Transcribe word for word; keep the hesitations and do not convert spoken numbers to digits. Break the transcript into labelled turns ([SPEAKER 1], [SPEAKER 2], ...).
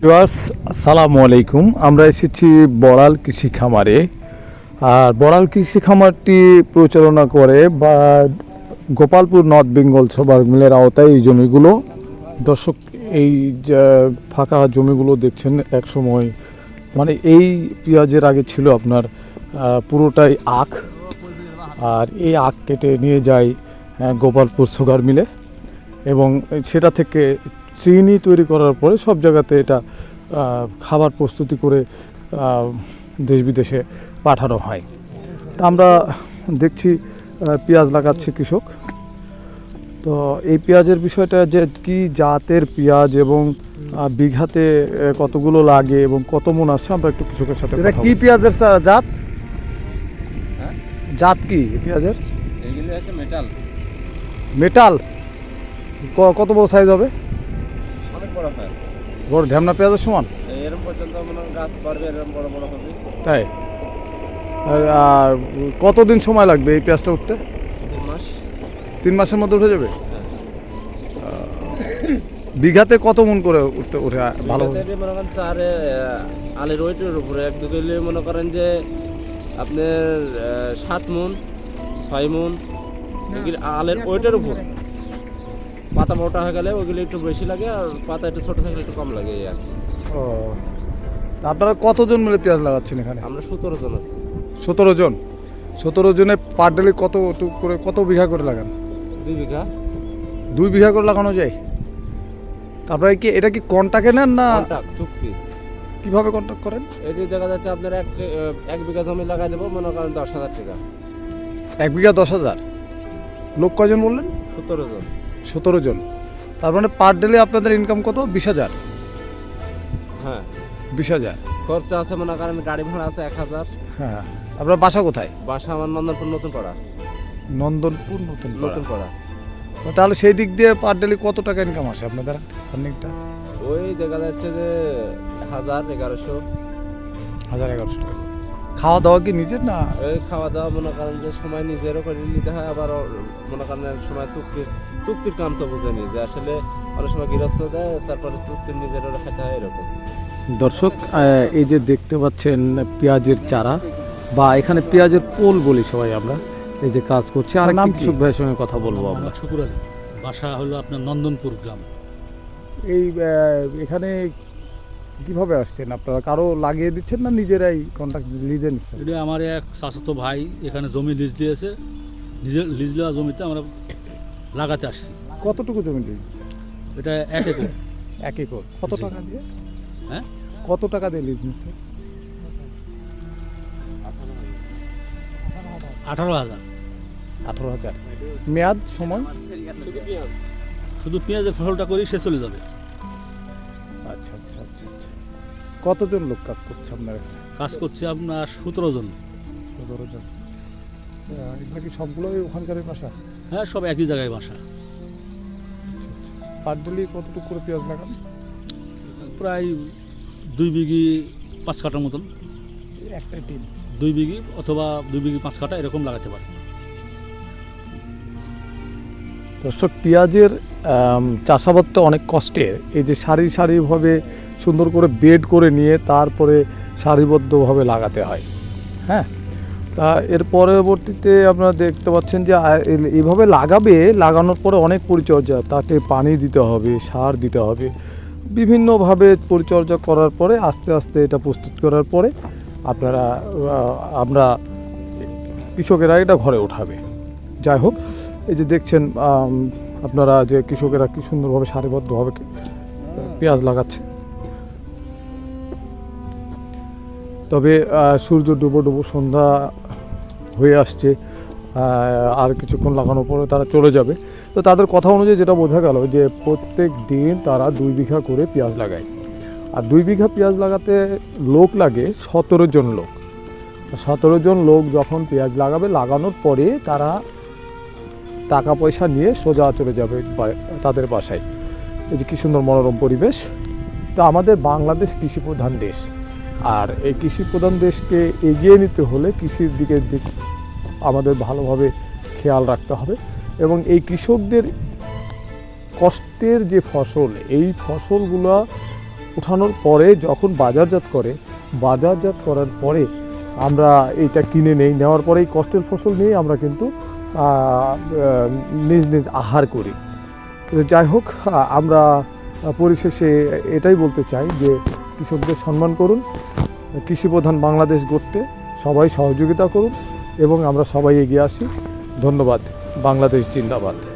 [SPEAKER 1] Viewers, আসসালামু আলাইকুম। আমরা এসেছি বড়াল কৃষি খামারে। আর বড়াল কৃষি খামারটি পরিচালনা করে বা গোপালপুর নর্থ বেঙ্গল সবার মিলের আওতায় এই জমিগুলো। দর্শক, এই যে ফাঁকা জমিগুলো দেখছেন, এক সময় মানে এই পেঁয়াজের আগে ছিল আপনার পুরোটাই আখ। আর এই আখ কেটে নিয়ে যায় গোপালপুর সুগার মিলে এবং সেটা থেকে চিনি তৈরি করার পরে সব জায়গাতে এটা খাবার প্রস্তুতি করে দেশ বিদেশে পাঠানো হয়। তা আমরা দেখছি পেঁয়াজ লাগাচ্ছে কৃষক। তো এই পেঁয়াজের বিষয়টা যে কি জাতের পেঁয়াজ এবং বিঘাতে কতগুলো লাগে এবং কত মন আসছে, আমরা একটু কৃষকের সাথে
[SPEAKER 2] এটা কি পেঁয়াজের জাত জাত কি পেঁয়াজের?
[SPEAKER 3] এগুলো হচ্ছে মেটাল।
[SPEAKER 2] মেটাল কত বড় সাইজ হবে?
[SPEAKER 3] অনেক বড় হয়,
[SPEAKER 2] বড় ঢ্যামনা পেঁয়াজের সমান।
[SPEAKER 3] এরকম পর্যন্ত মনে গাছ পারবে, এরকম বড় বড় হবে।
[SPEAKER 2] তাই? আর কতদিন সময় লাগবে এই পেঁয়াজটা উঠতে?
[SPEAKER 3] তিন মাস।
[SPEAKER 2] তিন মাসের মধ্যে উঠে যাবে? বিঘাতে কত মন করে উঠতে উঠে ভালো?
[SPEAKER 3] মনে করেন চারে আলের ওইটার উপরে এক দু কিলো মনে করেন যে আপনার সাত মন ছয় মন আলের ওইটার উপর। পাতা মোটা হয়ে গেলে ওইগুলো একটু বেশি লাগে, আর পাতা একটু ছোটো থাকলে একটু কম লাগে। আর
[SPEAKER 2] ও, আপনারা কতজন মিলে পেঁয়াজ লাগাচ্ছেন এখানে?
[SPEAKER 3] আমরা সতেরো জন আছি।
[SPEAKER 2] সতেরো জন সতেরো জনে পার ডেলি কত করে কত বিঘা করে লাগান?
[SPEAKER 3] দুই বিঘা।
[SPEAKER 2] দুই বিঘা করে লাগানো যায়? আপনারা কি এটা কি কন্ট্রাক্টে নেন না
[SPEAKER 3] চুক্তি?
[SPEAKER 2] কিভাবে কন্ট্রাক্ট করেন?
[SPEAKER 3] এটি দেখা যাচ্ছে আপনার এক এক বিঘা জমি লাগাই দেবো, মনে করেন দশ হাজার টাকা।
[SPEAKER 2] এক বিঘা দশ হাজার। লোক কয়জন বললেন?
[SPEAKER 3] সতেরো জন।
[SPEAKER 2] সতেরো জন। তার মানে পার ডেলি আপনাদের ইনকাম কত? বিশ হাজার?
[SPEAKER 3] হ্যাঁ,
[SPEAKER 2] বিশ হাজার
[SPEAKER 3] খরচা আছে, মনে করেন গাড়ি ভাড়া আছে এক হাজার।
[SPEAKER 2] হ্যাঁ। আপনার বাসা কোথায়?
[SPEAKER 3] বাসা আমার নন্দনপুর নতুন পাড়া।
[SPEAKER 2] নন্দনপুর নতুন
[SPEAKER 3] নতুন পাড়া।
[SPEAKER 2] তাহলে সেই দিক দিয়ে পার ডেলি কত টাকা ইনকাম আসে আপনাদের আর্নিংটা?
[SPEAKER 3] ওই দেখা যাচ্ছে যে হাজার এগারোশো।
[SPEAKER 2] হাজার এগারোশো টাকা। খাওয়া দাওয়া কি নিজের না?
[SPEAKER 3] ওই খাওয়া দাওয়া মনে করেন যে সময় নিজেরও করে নিতে হয়, আবার মনে করেন সময় চুক্তির চুক্তির কাম তো বুঝেনি যে আসলে অনেক সময় গৃহস্থ দেয়, তারপরে চুক্তির নিজেরও খেতে হয় এরকম।
[SPEAKER 1] দর্শক, এই যে দেখতে পাচ্ছেন পেঁয়াজের চারা বা এখানে পেঁয়াজের পোল বলি সবাই আমরা, এই যে কাজ করছে। আর নাম কৃষক ভাইয়ের সঙ্গে কথা বলবো আমরা।
[SPEAKER 4] শুকুর আলী, বাসা হলো আপনার নন্দনপুর গ্রাম।
[SPEAKER 2] এই এখানে কিভাবে আসছেন আপনারা? কারো লাগিয়ে দিচ্ছেন না নিজেরাই কন্ট্রাক্ট লিজে নিচ্ছেন?
[SPEAKER 4] এটা আমার এক চাচাতো ভাই এখানে জমি লিজ দিয়েছে, নিজের লিজ দেওয়া জমিতে আমরা লাগাতে আসছি।
[SPEAKER 2] কতটুকু জমি লিজ?
[SPEAKER 4] এটা এক একর।
[SPEAKER 2] এক একর। কত টাকা দিয়ে?
[SPEAKER 4] হ্যাঁ,
[SPEAKER 2] কত টাকা দিয়ে লিজ নিচ্ছে?
[SPEAKER 4] আঠারো হাজার।
[SPEAKER 2] আঠারো হাজার। মেয়াদ সময়?
[SPEAKER 3] শুধু পেঁয়াজ,
[SPEAKER 4] শুধু পেঁয়াজের ফসলটা করি সে চলে যাবে।
[SPEAKER 2] আচ্ছা আচ্ছা আচ্ছা আচ্ছা। কতজন লোক কাজ করছে আপনার এখানে?
[SPEAKER 4] কাজ করছে আপনার সতেরো জন।
[SPEAKER 2] সতেরো জন। এগুলো কি সবগুলোই ওখানকারই বাসা?
[SPEAKER 4] হ্যাঁ, সব একই জায়গায় বাসা।
[SPEAKER 2] আচ্ছা আচ্ছা। পার ডেলি কতটুকু করে পেঁয়াজ লাগান?
[SPEAKER 4] প্রায় দুই বিঘি পাঁচ কাটার মতন।
[SPEAKER 2] একটাই টিম?
[SPEAKER 4] দুই বিঘি অথবা দুই বিঘি পাঁচ কাটা এরকম লাগাতে পারে।
[SPEAKER 1] দর্শক, পেঁয়াজের চাষাবাদটা অনেক কষ্টের। এই যে সারি সারিভাবে সুন্দর করে বেড করে নিয়ে তারপরে সারিবদ্ধভাবে লাগাতে হয়। হ্যাঁ, তা এর পরবর্তীতে আপনারা দেখতে পাচ্ছেন যে এইভাবে লাগাবে, লাগানোর পরে অনেক পরিচর্যা, তাতে পানি দিতে হবে, সার দিতে হবে, বিভিন্নভাবে পরিচর্যা করার পরে আস্তে আস্তে এটা প্রস্তুত করার পরে আপনারা আমরা কৃষকেরা এটা ঘরে ওঠাবে। যাই হোক, এই যে দেখছেন আপনারা যে কৃষকেরা কি সুন্দরভাবে সারিবদ্ধভাবে পেঁয়াজ লাগাচ্ছে। তবে সূর্য ডুবো ডুবো সন্ধ্যা হয়ে আসছে, আর কিছুক্ষণ লাগানোর পরে তারা চলে যাবে। তো তাদের কথা অনুযায়ী যেটা বোঝা গেল যে প্রত্যেক দিন তারা দুই বিঘা করে পেঁয়াজ লাগায়। আর দুই বিঘা পেঁয়াজ লাগাতে লোক লাগে সতেরো জন লোক। সতেরো জন লোক যখন পেঁয়াজ লাগাবে, লাগানোর পরে তারা টাকা পয়সা নিয়ে সোজা চলে যাবে তাদের বাসায়। এই যে কী সুন্দর মনোরম পরিবেশ। তো আমাদের বাংলাদেশ কৃষি প্রধান দেশ, আর এই কৃষি প্রধান দেশকে এগিয়ে নিতে হলে কৃষির দিকে দিক আমাদের ভালোভাবে খেয়াল রাখতে হবে এবং এই কৃষকদের কষ্টের যে ফসল, এই ফসলগুলো উঠানোর পরে যখন বাজারজাত করে, বাজারজাত করার পরে আমরা এইটা কিনে নেই, নেওয়ার পরেই কষ্টের ফসল নিয়ে আমরা কিন্তু আহ, আহ, নিজ নিজ আহার করি। তো যাই হোক, আহ, আমরা পরিশেষে এটাই বলতে চাই যে কৃষকদের সম্মান করুন, কৃষিপ্রধান বাংলাদেশ গড়তে সবাই সহযোগিতা করুন এবং আমরা সবাই এগিয়ে আসি। ধন্যবাদ। বাংলাদেশ জিন্দাবাদ।